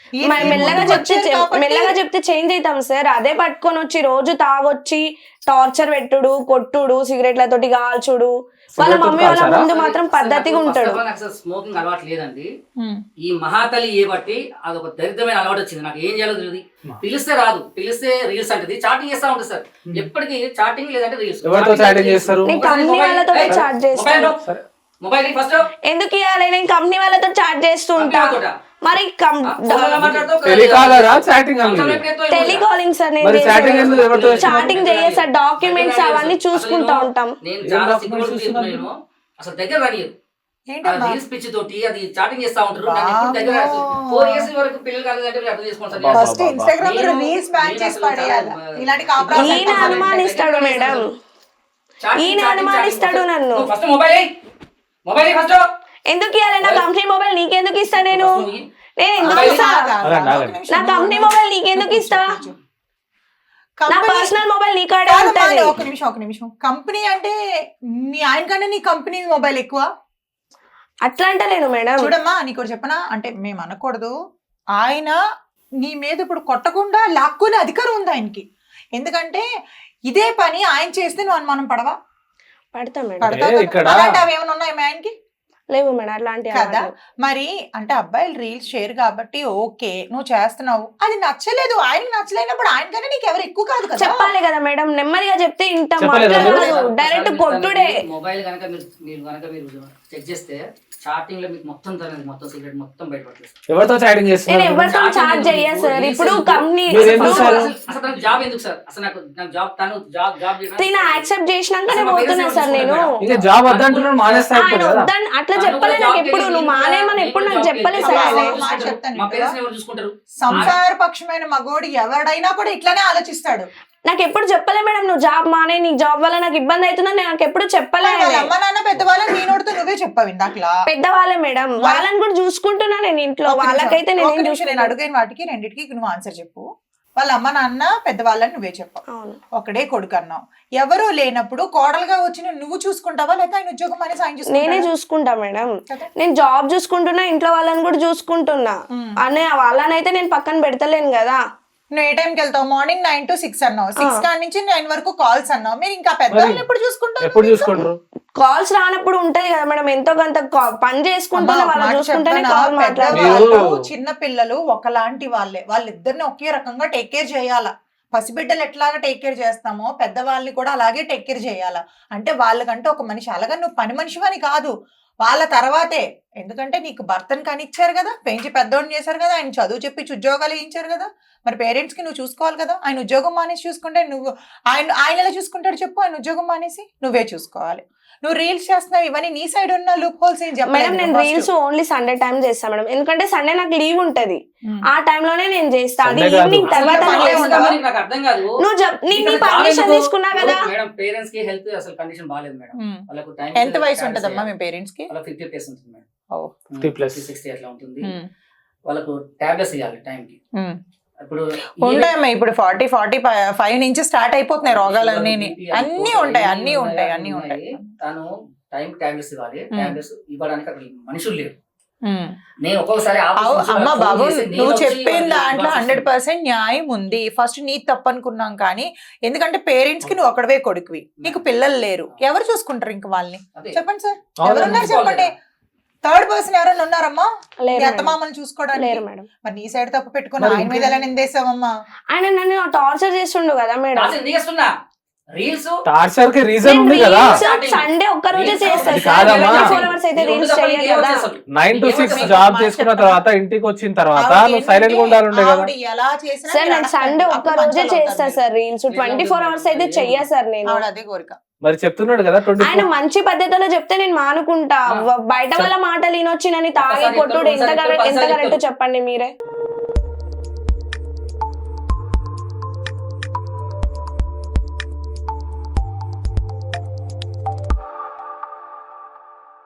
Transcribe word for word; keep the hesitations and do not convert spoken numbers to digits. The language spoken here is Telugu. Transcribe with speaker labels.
Speaker 1: మెల్లగా చెప్తే మెల్లగా చెప్తే చేంజ్ అవుతాం సార్. అదే పట్టుకొని వచ్చి రోజు తాగొచ్చి టార్చర్ పెట్టుడు, కొట్టుడు, సిగరెట్లతోటి కాల్చుడు. వాళ్ళ మమ్మీ వాళ్ళ ముందు మాత్రం పద్ధతిగా ఉంటాడు.
Speaker 2: స్మోకింగ్ అలవాటు లేదండి. ఈ మహాతలి ఏ బట్టి అదొక దరిద్రమైన అలవాటు వచ్చింది. నాకు ఏం చేయాలో తెలియదు. పిలిస్తే రాదు, పిలిస్తే రీల్స్ అంటది, చాటింగ్ చేస్తా ఉంటుంది సార్. ఎప్పటికీ చాటింగ్ లేదంటే రీల్స్.
Speaker 1: కంపెనీ వాళ్ళతో చాట్ చేస్తాను.
Speaker 2: మొబైల్ ఫస్ట్
Speaker 1: ఎందుకు ఇవ్వాలి? నేను కంపెనీ వాళ్ళతో చాట్ చేస్తూ ఉంటా. మరి టెలికాలింగ్ సార్, నేను చాటింగ్ చేయ సార్, డాక్యుమెంట్స్ అవన్నీ చూసుకుంటా ఉంటాం.
Speaker 2: అసలు దగ్గర రానియదు. రీల్స్ పిచ్చి తోటి అది చాటింగ్ చేస్తా ఉంటారు. దగ్గర ఫోర్ ఇయర్స్ వరకు పిల్లలు కాలేదంటే అర్థం చేసుకోండి.
Speaker 1: ఈయన అనుమానిస్తాడు మేడం, ఈయన అనుమానిస్తాడు నన్ను.
Speaker 2: ఫస్ట్ మొబైల్ మొబైల్ ఫస్ట్
Speaker 1: ఎందుకు ఇవ్వాలి? నా కంపెనీ మొబైల్ నీకెందుకు ఇస్తా? నేను నేను ఎందుకు ఇస్తా? నా కంపెనీ మొబైల్ నీకెందుకు ఇస్తా? నా పర్సనల్ మొబైల్ నీ కాడే ఉంటది.
Speaker 3: ఒక నిమిషం ఒక నిమిషం కంపెనీ అంటే మీ ఆయన కన్నా నీ కంపెనీ మొబైల్ ఎక్కువ
Speaker 1: అట్లా అంటలేను మేడం.
Speaker 3: చూడమ్మా నీకు చెప్పనా, అంటే మేము అనకూడదు. ఆయన నీ మీద ఇప్పుడు కొట్టకుండా లాక్కునే అధికారం ఉంది ఆయనకి. ఎందుకంటే ఇదే పని ఆయన చేస్తే నువ్వు అనుమానం పడవా?
Speaker 1: పడతా మేడం.
Speaker 3: అలాంటి అవి ఏమైనా ఉన్నాయి మీ ఆయనకి?
Speaker 1: లేవు మేడం అట్లాంటి
Speaker 3: కదా. మరి అంటే అబ్బాయిలు రీల్స్ షేర్ కాబట్టి ఓకే నువ్వు చేస్తున్నావు, అది నచ్చలేదు, ఆయనకి నచ్చలేనప్పుడు ఆయన కన్నా నీకు ఎవరు ఎక్కువ కాదు కదా.
Speaker 1: చెప్పాలి కదా మేడం, నెమ్మదిగా చెప్తే ఇంత డైరెక్ట్ కొట్టుడే.
Speaker 2: మొబైల్ కనుక మీరు మీరు కనుక మీరు చెక్ చేస్తే చాటింగ్ లో మీకు మొత్తం తనది మొత్తం సీక్రెట్ మొత్తం బయటపడుతుంది.
Speaker 4: ఎవరితో చాటింగ్ చేస్తున్నారు?
Speaker 1: నేను ఎవరితో చాట్ చేయా సార్. ఇప్పుడు కంపెనీ
Speaker 2: అసలు నాకు జాబ్ ఎందుకు సార్? అసలు నాకు నాకు జాబ్ తను జాబ్ జాబ్
Speaker 1: నేను యాక్సెప్ట్ చేసినాకనే పోతున్నా సార్. నేను
Speaker 4: ఇక జాబ్ వద్దంటున్నాను మానేస్తా కదా.
Speaker 1: అట్లా చెప్పలే నాకు ఎప్పుడు. నువ్వు మానేమని ఎప్పుడు నాకు చెప్పలే సార్.
Speaker 2: చూసుకుంటారు.
Speaker 3: సంసార పక్షమైన మగోడు ఎవడైనా కూడా ఇట్లానే ఆలోచిస్తాడు.
Speaker 1: నాకు ఎప్పుడు చెప్పలే మేడం నువ్వు జాబ్ మానే, నీకు జాబ్ వల్ల నాకు ఇబ్బంది అవుతుందని నాకు ఎప్పుడు చెప్పలే.
Speaker 3: అమ్మ నాన్న పెద్దవాళ్ళని నీ నోటితో నువ్వే చెప్పావు ఇందాకలా.
Speaker 1: పెద్దవాళ్ళే మేడం, వాళ్ళని కూడా చూసుకుంటున్నా నేను ఇంట్లో. వాళ్ళకైతే నేను
Speaker 3: నేను అడిగిన వాటికి రెండింటికి నువ్వు ఆన్సర్ చెప్పు. వాళ్ళ అమ్మ నాన్న పెద్దవాళ్ళని నువ్వే చెప్పావు, ఒకడే కొడుకు అన్నావు. ఎవరు లేనప్పుడు కోడలుగా వచ్చి నువ్వు చూసుకుంటావా లేదా ఆయన ఉద్యోగం అనేసి ఆయన చూసుకుంటా?
Speaker 1: నేనే చూసుకుంటా మేడం. నేను జాబ్ చూసుకుంటున్నా, ఇంట్లో వాళ్ళని కూడా చూసుకుంటున్నా. అనే వాళ్ళనైతే నేను పక్కన పెడతలేను కదా.
Speaker 3: నువ్వు ఏ టైంకి వెళ్తావు? మార్నింగ్ నైన్ టు సిక్స్ అన్నావు, సిక్స్ కాడి నుంచి నైన్ వరకు కాల్స్ అన్నావు. మీరు ఇంకా పెద్దవాళ్ళని ఎప్పుడు చూసుకుంటారు?
Speaker 4: ఎప్పుడు చూసుకుంటారు?
Speaker 1: కాల్స్ రానప్పుడు ఉంటది కదా మేడం, ఎంతో కొంత పని చేసుకుంటున్నా వాళ్ళు చూసుకుంటేనే కాల్ మాట్లాడారు.
Speaker 3: చిన్న పిల్లలు ఒకలాంటి వాళ్ళే, వాళ్ళిద్దరిని ఒకే రకంగా టేక్ కేర్ చేయాలా. పసిబిడ్డలు ఎట్లాగా టేక్ కేర్ చేస్తామో పెద్దవాళ్ళని కూడా అలాగే టేక్ కేర్ చేయాలా. అంటే వాళ్ళకంటే ఒక మనిషి, అలాగా నువ్వు పని మనిషివని కాదు, వాళ్ళ తర్వాతే. ఎందుకంటే నీకు భర్తను కనిచ్చారు కదా, పెంచి పెద్దోడిని చేశారు కదా, ఆయన చదువు చెప్పించి ఉద్యోగాలు వేయించారు కదా. మరి పేరెంట్స్ కి నువ్వు చూసుకోవాలి కదా. ఆయన ఉద్యోగం మానేసి చూసుకుంటే నువ్వు ఆయన ఆయన ఎలా చూసుకుంటాడు చెప్పు? ఆయన ఉద్యోగం మానేసి నువ్వే చూసుకోవాలి. నువ్వు రీల్స్ చేస్తున్నావు, ఇవన్నీ నీ సైడ్ ఉన్న లూప్ హోల్స్ ఏం చెప్పాలి
Speaker 1: మేడం. నేను రీల్స్ ఓన్లీ సండే టైం చేస్తాను మేడం, ఎందుకంటే సండే నాకు లీవ్ ఉంటది. ఆ టైంలోనే నేను చేస్తా. అది ఈవినింగ్ తర్వాత నువ్వు పర్మిషన్ తీసుకున్నా కదా.
Speaker 2: పేరెంట్స్ కి హెల్త్ అసలు కండిషన్ బాగాలేదు మేడం. వాళ్ళకు టైం
Speaker 3: ఎంత వయసు ఉంటదమ్మా మీ పేరెంట్స్ కి?
Speaker 2: ఫిఫ్టీ ప్లస్ ఉంటుంది మేడం.
Speaker 4: ఫిఫ్టీ ప్లస్
Speaker 2: సిక్స్టీ అట్లా ఉంటుంది. వాళ్ళకు టాబ్లెట్స్ ఇవ్వాలి టైం కి. ఇప్పుడు
Speaker 3: ఉంటాయమ్మా, ఇప్పుడు ఫార్టీ ఫార్టీ ఫైవ్ నుంచి స్టార్ట్ అయిపోతున్నాయి రోగాలన్నీ. అన్ని ఉంటాయి అన్ని ఉంటాయి అన్ని ఉంటాయి.
Speaker 2: తను టైం టాబ్లెట్స్ ఇవ్వాలి. టాబ్లెట్స్ ఇవ్వడానికి అక్కడ మనుషులు లేరు. నేను ఒక్కొక్కసారి
Speaker 3: అమ్మ బాబు నువ్వు చెప్పిన దాంట్లో హండ్రెడ్ పర్సెంట్ న్యాయం ఉంది. ఫస్ట్ నీ తప్పు అనుకున్నాం, కానీ ఎందుకంటే పేరెంట్స్ కి నువ్వు ఒకడవే కొడుకువి, నీకు పిల్లలు లేరు, ఎవరు చూసుకుంటారు ఇంకా వాళ్ళని? చెప్పండి సార్, ఎవరున్నారు చెప్పండి. థర్డ్ పర్సన్ ఎవరైనా ఉన్నారమ్మా ఎంత మామని చూసుకోవడానికి?
Speaker 1: లేరు మేడం.
Speaker 3: మరి నీ సైడ్ తప్పు పెట్టుకుని ఆయన మీద ఎలా నిందేసావమ్మా?
Speaker 1: ఆయన నన్ను టార్చర్ చేస్తుండు కదా మేడం.
Speaker 4: టార్చర్ కి రీజన్ ఉంది కదా.
Speaker 1: సండే ఒక్క రోజే చేస్తాను.
Speaker 4: నైన్ టు సిక్స్ జాబ్ చేసుకున్న తర్వాత ఇంటికి వచ్చిన తర్వాత నువ్వు సైలెంట్ గా ఉండాలంటే కదా.
Speaker 1: సార్ నేను సండే ఒక్క రోజే చేస్తా sir reels. Twenty four hours అయితే చెయ్యా సార్ నేను.
Speaker 3: అదే కోరిక.
Speaker 4: మరి చెప్తున్నాడు కదా
Speaker 1: ఆయన మంచి పద్ధతిలో చెప్తే నేను మానుకుంటా. బయట వాళ్ళ మాటలు వినొచ్చి నన్ను తాగి కొట్టుడు ఎంత ఎంత కరెక్ట్ చెప్పండి మీరే.